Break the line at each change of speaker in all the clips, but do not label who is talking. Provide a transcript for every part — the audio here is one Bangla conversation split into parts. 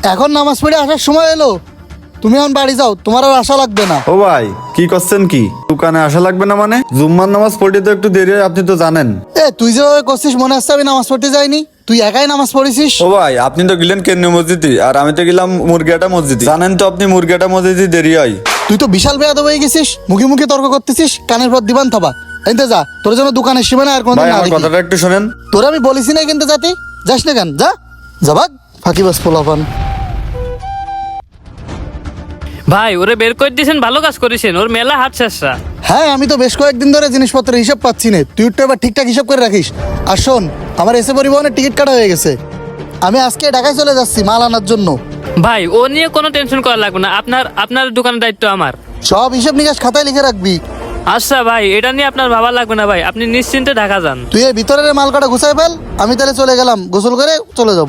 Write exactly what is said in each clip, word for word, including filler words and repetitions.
এখন নামাজ পড়ে আসার সময় এলো, তুমি এখন বাড়ি যাও, তোমার আর আশা লাগবে না।
ও ভাই কি করছেন কি? দোকানে আসা লাগবে না মানে? জুম্মার নামাজ পড়তে তো একটু দেরি হয়, আপনি তো জানেন।
এ তুই যেভাবে করছিস মনে হচ্ছে আমি নামাজ পড়তে যাইনি, তুই একাই নামাজ পড়েছিস।
ও ভাই আপনি তো গেলেন কেন্দ্রীয় মসজিদে, আর আমি তো গেলাম মুরগিয়াটা মসজিদে। জানেন তো আপনি মুরগিয়াটা মসজিদে দেরি হয়।
তুই তো বিশাল বেয়াদব হয়ে গেছিস, মুখে মুখে তর্ক করতেছিস, কানের পর দিবান থাবা। এনতে যা, তোর জন্য দোকানের সীমানা আর কোনদিন
ভাই
না
আমার
দেখি।
কথাটা একটু শোনেন।
তোর আমি বলিস না কিন্তু যাতে যাস না কেন, যা যা ভাগ ফাঁকিবাজ পোলাপান।
ভাই ওরে বের করে দিয়েছেন, ভালো কাজ করেছেন, ওর মেলা হাত শেষরা।
হ্যাঁ আমি তো বেশ কয়েকদিন ধরে জিনিসপত্রের হিসাব পাচ্ছি না, তুই একটু এবার ঠিকঠাক হিসাব করে রাখিস। আর শোন, আমার এসে পরিবহনের টিকিট কাটা হয়ে গেছে, আমি আজকে ঢাকায় চলে যাচ্ছি মাল আনার জন্য।
ভাই ও নিয়ে কোনো টেনশন করা লাগবে না, আপনার আপনার দোকানের দায়িত্ব আমার।
সব হিসাব নিকাশ খাতায় লিখে রাখবি।
আচ্ছা ভাই, এটা নিয়ে আপনার ভাবা লাগবে না ভাই, আপনি নিশ্চিন্তে ঢাকা যান।
তুই এই ভিতরের মাল কাটা গুছাই ফেল, আমি তাহলে চলে গেলাম, গোসল করে চলে যাব।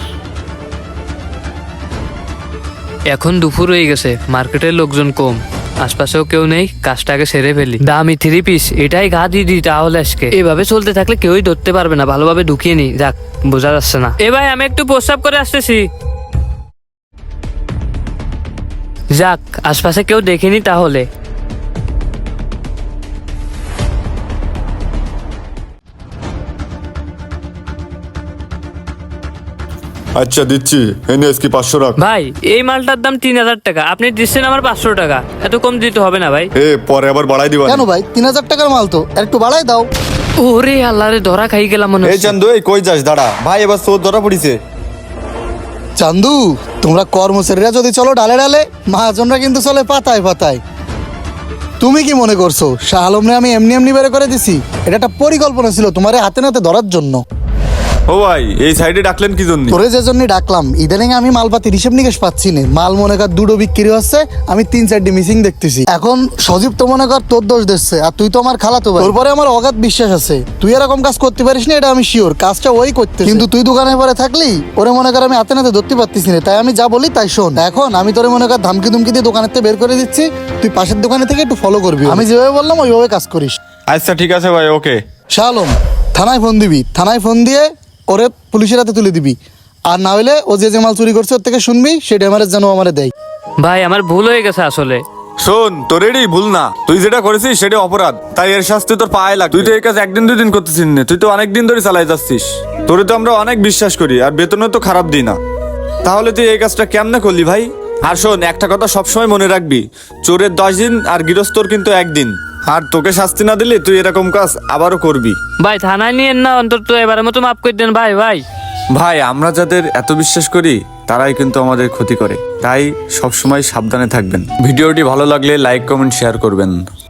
এখন দুপুর হয়ে গেছে, মার্কেটের লোকজন কম, আশপাশেও কেউ নেই, কাজটাকে সেরে ফেলি। দামি থ্রি পিস এটাই গা দিয়ে দিই তাহলে আজকে। এভাবে চলতে থাকলে কেউই ধরতে পারবে না, ভালোভাবে ঢুকিয়ে নি। যাক, বোঝা যাচ্ছে না। এ ভাই আমি একটু প্রস্রাব করে আসতেছি। যাক, আশপাশে কেউ দেখেনি তাহলে।
আচ্ছা দিচ্ছি, এনে আজকে পাঁচশো রাখ।
ভাই এই মালটার দাম তিন হাজার টাকা, আপনি দিচ্ছেন আমার পাঁচশো টাকা, এত কম দিতে হবে না ভাই।
এ পরে আবার বাড়াই দিবা।
কেন ভাই, তিন হাজার টাকার মাল তো, আর একটু বাড়াই দাও।
ওরে আল্লাহ রে, ধরা খাই গেলাম মনে
এই
হচ্ছে।
চান্দু, এই কই যাস? দাঁড়া ভাই, এবার চোর ধরা পড়িছে।
চান্দু, তোমরা কর্মচারীরা যদি চলো ডালে ডালে, মহাজনরা কিন্তু চলে পাতায় পাতায়। তুমি কি মনে করছো শাহ আলমরে আমি এমনি এমনি বের করে দিছি? এটা একটা পরিকল্পনা ছিল তোমারে হাতে নাতে ধরার জন্য।
ও ভাই এই সাইডে ডাকলেন কি জন্য?
তোরে যে জন্য ডাকলাম, ইদানিং আমি মালপাতির হিসেব নিকেশ পাচ্ছি না, মাল মনে কর দুটো বিক্রি হচ্ছে, আমি তিন চারটি মিসিং দেখতেছি। এখন সজীব তো মনে কর তোর দোষ দিচ্ছে, আর তুই তো আমার খালাতো ভাই, তোর পরে আমার অগাধ বিশ্বাস আছে তুই এরকম কাজ করতে পারিস না, এটা আমি শিওর। কাজটা ওই করতে, কিন্তু তুই দোকানের পরে থাকলি ওরে মনে কর আমি হাতে নাতে ধরতে পারতেছি না, তাই আমি যা বলি তাই শোন। এখন আমি তোরে মনে কর ধামকি ধুমকি দিয়ে দোকানের থেকে বের করে দিচ্ছি, তুই পাশের দোকানে থেকে একটু ফলো করবি, আমি যেভাবে বললাম ওইভাবে কাজ করিস।
আচ্ছা ঠিক আছে ভাই, ওকে।
শাহ আলম, থানায় ফোন দিবি, থানায় ফোন দিয়ে ওরে পুলিশের হাতে তুলে দিবি, আর না হলে ও যে যে মাল চুরি করছে ওর থেকে শুনবি, সেটা আমার যেন আমারে দেয়।
ভাই আমার ভুল হয়ে গেছে আসলে।
শোন, তোর এটাই ভুল না, তুই যেটা করেছিস সেটা অপরাধ, তাই এর শাস্তি তোর পায়ে লাগ। তুই তো এই কাজ একদিন দুই দিন করতেছিস না, তুই তো অনেক দিন ধরে চালাই যাচ্ছিস। তোরে তো আমরা অনেক বিশ্বাস করি, আর বেতনও তো খারাপ দিই না, তাহলে তুই এই কাজটা কেমনে করলি ভাই? আর শোন, একটা কথা সবসময় মনে রাখবি, চোরের দশ দিন আর গৃহস্থর কিন্তু একদিন, আর তোকে শাস্তি না দিলে তুই এরকম কাজ আবারও করবি।
ভাই থানায় নিয়েন না, অন্তত এবারের মতো মাফ করে দেন ভাই। ভাই
ভাই আমরা যাদের এত বিশ্বাস করি তারাই কিন্তু আমাদের ক্ষতি করে, তাই সবসময় সাবধানে থাকবেন। ভিডিওটি ভালো লাগলে লাইক কমেন্ট শেয়ার করবেন।